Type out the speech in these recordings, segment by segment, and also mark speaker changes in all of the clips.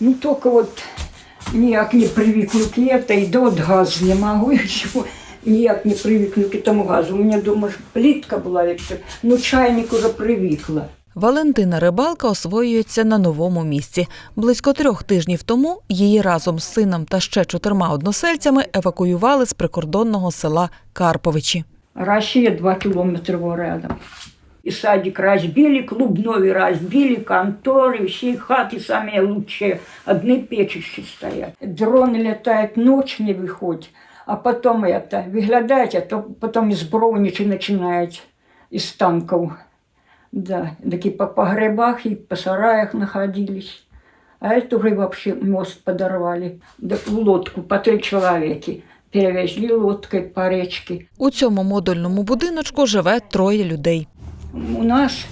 Speaker 1: Ну, только вот ніяк не привыкну к этой, да вот газ не могу еще. Ніяк не привыкну к этому газу. У меня дома плитка была, но чайник уже привыкла.
Speaker 2: Валентина Рибалка освоюється на новому місці. Близько 3 тижнів тому її разом з сином та ще 4 односельцями евакуювали з прикордонного села Карповичі.
Speaker 1: Россия 2 километра рядом. И садик разбили, клубной разбили, конторы, все хаты самые лучшие. Одни печища стоят. Дроны летают, ночь не выходит. А потом это, выглядаете, а то потом из броничи начинают, из танков. Да, такие по погребах и по сараях находились. А это уже вообще мост подорвали. Да, в лодку по 3 человека. Перевезли лодкой по речке.
Speaker 2: У цьому модульному будиночку живе 3 людей.
Speaker 1: У нас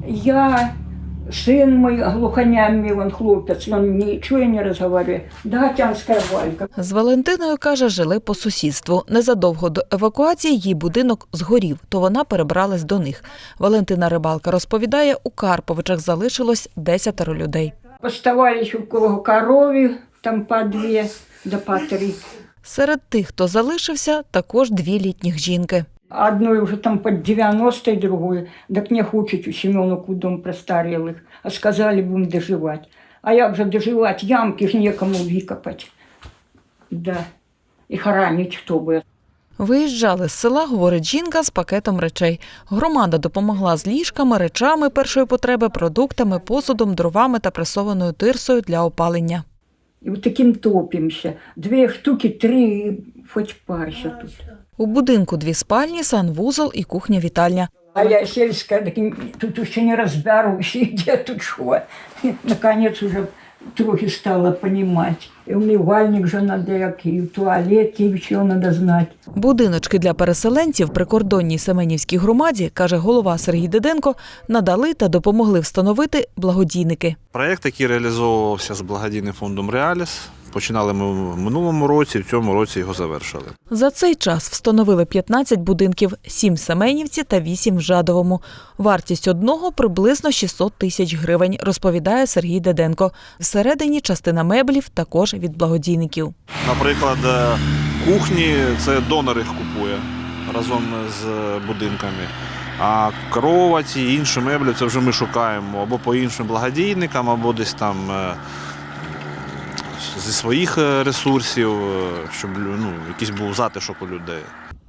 Speaker 1: я, сын мой, глухонямый, он хлопец, он ничего не разговаривает. Дагатянская Валька.
Speaker 2: З Валентиною, каже, жили по сусідству. Незадовго до евакуації її будинок згорів, то вона перебралась до них. Валентина Рибалка розповідає, у Карповичах залишилось 10 людей.
Speaker 1: Оставались у кого корові, там по 2 да по 3.
Speaker 2: Серед тих, хто залишився, також 2 літніх жінки.
Speaker 1: Одной уже там под 90, другой. Так не хочет у Семеновку дом престарелых. А сказали, будем доживать. А як же доживать? Ямки ж некому викопать. Да. І хоронить хто буде.
Speaker 2: Виїжджали з села, говорить жінка, з пакетом речей. Громада допомогла з ліжками, речами першої потреби, продуктами, посудом, дровами та пресованою тирсою для опалення.
Speaker 1: І от таким топимося. 2 штуки, 3, хоч парся тут.
Speaker 2: У будинку 2 спальні, санвузол і кухня-вітальня.
Speaker 1: А я сельская, так тут ще не розберуся, де тут що. Наконець уже трохи стала понимать. І умивальник же надо, як і в туалет, і все надо знати.
Speaker 2: Будиночки для переселенців прикордонній Семенівській громаді, каже голова Сергій Диденко, надали та допомогли встановити благодійники.
Speaker 3: Проєкт, який реалізовувався з благодійним фондом «Реаліс», починали ми в минулому році, в цьому році його завершили.
Speaker 2: За цей час встановили 15 будинків, 7 в Семенівці та 8 в Жадовому. Вартість одного приблизно 600 тисяч гривень, розповідає Сергій Диденко. Всередині частина меблів також від благодійників.
Speaker 3: Наприклад, кухні – це донор їх купує разом з будинками. А кроваті і інші меблі – це вже ми шукаємо або по іншим благодійникам, або десь там зі своїх ресурсів, щоб якийсь був затишок у людей.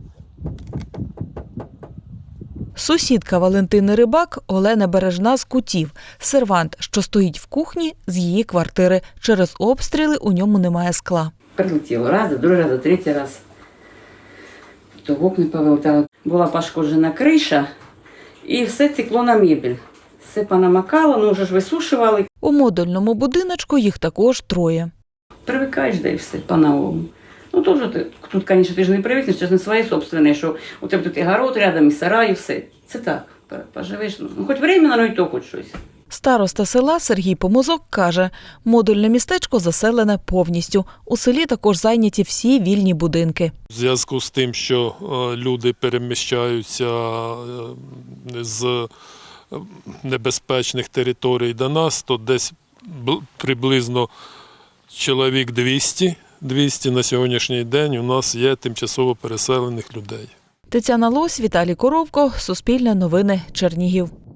Speaker 2: Сусідка Валентини Рибак Олена Бережна з Кутів. Сервант, що стоїть в кухні, з її квартири. Через обстріли у ньому немає скла.
Speaker 4: Прилетіло раз, другий раз, третій раз. То вікна повилетало. Була пошкоджена криша і все текло на мебель. Все понамокало, ну вже ж висушували.
Speaker 2: У модульному будиночку їх також 3.
Speaker 4: Привикаєш, да і все по-новому. Ну, тут, звісно, ти ж не привикнеш, це ж не своє собственне, що у тебе тут і город рядом, і сарай, і все. Це так, поживеш, ну, хоч временно, ну і то хоч щось.
Speaker 2: Староста села Сергій Помозок каже, модульне містечко заселене повністю. У селі також зайняті всі вільні будинки.
Speaker 5: В зв'язку з тим, що люди переміщаються з небезпечних територій до нас, то десь приблизно чоловік 200 на сьогоднішній день у нас є тимчасово переселених людей.
Speaker 2: Тетяна Лось, Віталій Коровко, Суспільне новини, Чернігів.